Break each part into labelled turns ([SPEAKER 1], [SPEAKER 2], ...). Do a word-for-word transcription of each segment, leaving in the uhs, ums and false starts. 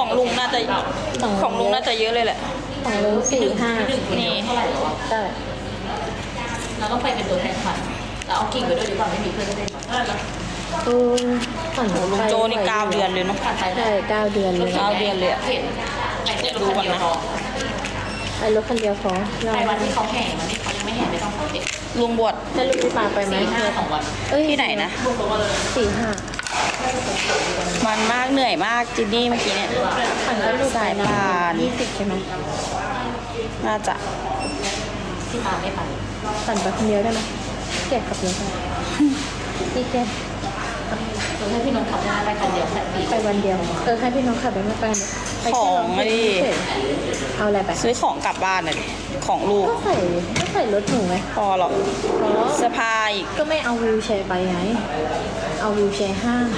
[SPEAKER 1] ของลุงน่าจะของลุงน่าจะเยอะเลยแหละ
[SPEAKER 2] ของลุงสี่ห้า
[SPEAKER 1] นี่
[SPEAKER 2] เท่าไหร่หรอใช่เราต้องไปเป็นตัวแทนขันเราเอากิ่งไปด้วยดีกว่าไม่มีเพื่อนเล่นอือขันลุง
[SPEAKER 1] โจนี่เก้าเดือนเลยเนาะ
[SPEAKER 2] ใช่เก้าเดือนเลย
[SPEAKER 1] เก้าเดือนเลยดูกันนะ
[SPEAKER 2] ไอ้รถคันเดียวพอไปวันที่เขาแห่วันที่เขายังไม่แห่ไม่ต้องเขาเก็บ
[SPEAKER 1] ลุงบวช
[SPEAKER 2] ให้ลูกพี่ปาไปไหม
[SPEAKER 1] ห้าสองวันเอ้ยที่ไหนนะ
[SPEAKER 2] สี่ห้า
[SPEAKER 1] มันมากเหนื่อยมากจินนี่เมื่อกี้เนี่ยสายพาน
[SPEAKER 2] ยี่สิบใช่ไหม
[SPEAKER 1] น่าจะ
[SPEAKER 2] พี่ปาไม่ไปปั่นไปคนเดียวได้ไหมแกะขับรถไปพี่แกเออให้พี่น้องขับได้ไปคนเดียวไปวันเดียวเออให้พี่น้องขับไปไม่ไป
[SPEAKER 1] ของไม่ดี
[SPEAKER 2] เอาอะไรไป
[SPEAKER 1] ซื้อของกลับบ้านเลยของลูก
[SPEAKER 2] ก็ใส่ก็ใส่รถหนูไหม
[SPEAKER 1] พอหรอกเสื้อผ้าอีก
[SPEAKER 2] ก็ไม่เอาวิวแชร์ไปไงเอาวิวแชร์ห้าง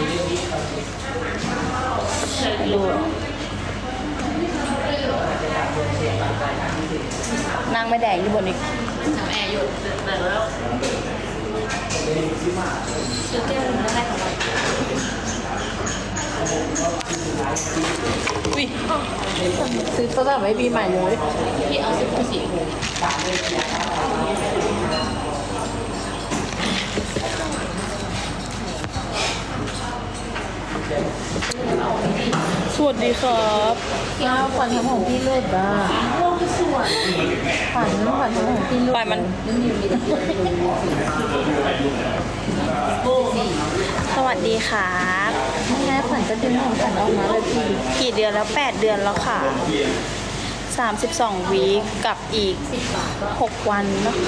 [SPEAKER 1] ดูนั่งไม่แดงที่บนอีกทำแอร์อยู่แต่แล้วซื้อแก้วนึงได้ของเราอุ้ย
[SPEAKER 2] ซื้อโทรศัพท์ไว้ปีใหม่เลย
[SPEAKER 1] พี่เอาสิบสี่สวัสดีครับ
[SPEAKER 2] ย่าขวัญของพี่เลิศอ่ะขวัญขวัญของพี่เลิศ
[SPEAKER 1] ไปมันสวัสดีครับ
[SPEAKER 2] แม่ขวัญจะดึงของขวัญออกมาเลยพี่
[SPEAKER 1] กี่เดือนแล้วแปดเดือนแล้วค่ะสามสิบสองวีคกับอีกหกวันเนาะ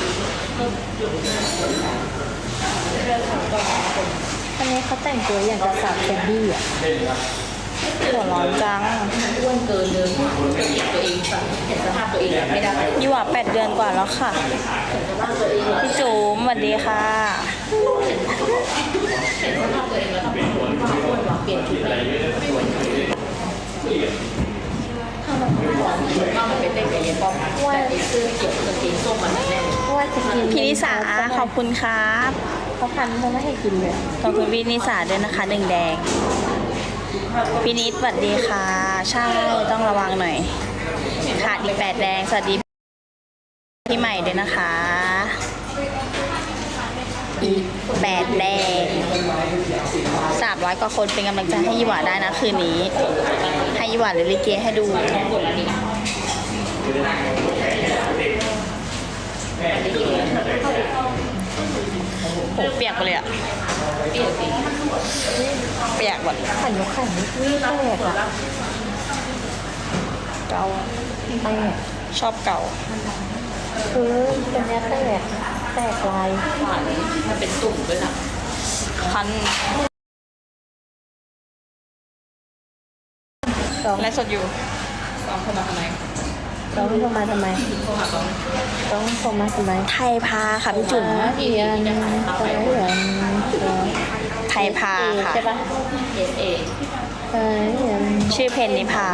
[SPEAKER 2] อันนี้เขาแต่งตัวอย่างกับสาวแคนดี้อ่ะ
[SPEAKER 1] หัวร้อนจัง
[SPEAKER 2] อ้วนเกินเลยเห็นตัวเองเห็นสภาพตัวเองไม่ได้
[SPEAKER 1] ยี่หว่าแปดเดือนกว่าแล้วค่ะพี่จุ๋มสวัสดีค่ะ
[SPEAKER 2] เห็นสภาพตัวเองแล้วต้องอ้วนอ้วนหรอเปลี่ยนชุดเลยถ้ามันอ้วนว่ามันเป็นเด็กเย็นป้อมว่าซื้อเกี่ยวกับสีส้มมันแน่ว่าจะกิน
[SPEAKER 1] พี่นิสาขอบคุณครับ
[SPEAKER 2] เขาพันเขาไม่ให้กินเลย
[SPEAKER 1] ขอบคุณพี่นิสาด้วยนะคะหนึ่งแดงพี่นิดสวัสดีค่ะใช่ต้องระวังหน่อยขาดอีกแปดแดงสวัสดีพี่ใหม่ด้วยนะคะอีกแปดแดงสามร้อยกว่าคนเป็นกำลังใจให้ยี่หว่าได้นะคืนนี้ให้ยี่หว่าเลยลิเกให้ดูผมเปียกไปเลยอะเปียกสิเปียกหมด
[SPEAKER 2] ขันยกขันนี่แตกอะ
[SPEAKER 1] เก่า
[SPEAKER 2] แตก
[SPEAKER 1] ชอบเก่า
[SPEAKER 2] คือเป็นเนี้ยแตกแตกลายมันเป็นตุ่มด้วยนะ
[SPEAKER 1] คันไลฟ์สดอยู่ต้องเข้ามาทำไม
[SPEAKER 2] ต้องเข้ามาทำไมต้องเข้ามาทำไม
[SPEAKER 1] ไทยพาค่ะพี่จุ๋ม
[SPEAKER 2] เอียนไทยเอียน
[SPEAKER 1] ไทยพาค่ะ
[SPEAKER 2] ใช่ปะเอสเอไทยเอียน
[SPEAKER 1] ชื่อเพนนิพา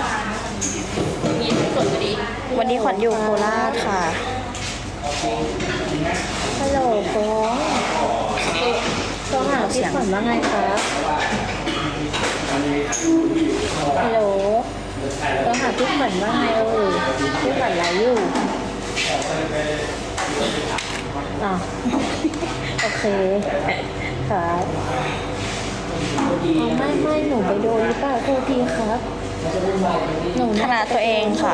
[SPEAKER 1] วันนี้ขวัญอยู่โคราชค่ะ
[SPEAKER 2] ฮัลโหลฟ้องต้องหาพี่ขวัญว่าไงครับฮัลโหลต้องหาพี่ขวัญว่าไงเออพี่ขวัญไรอยู่อ่ะโอเคครับไม่ไม่หนูไปโดนหรือเปล่าโทษทีครับ
[SPEAKER 1] หนูขนาดตัวเองค่ะ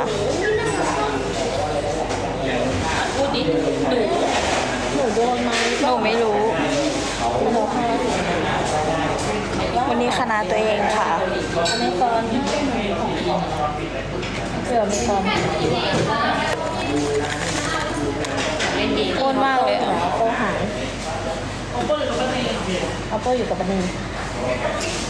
[SPEAKER 2] พูดดิหนูหนูโดนไหม
[SPEAKER 1] หนูไม่รู้วันนี้คณะตัวเองค่ะ
[SPEAKER 2] อเมซอนเสืออเมซอน
[SPEAKER 1] โอนมากเลย
[SPEAKER 2] โอหายเอาโป้อยู่กับบันนี่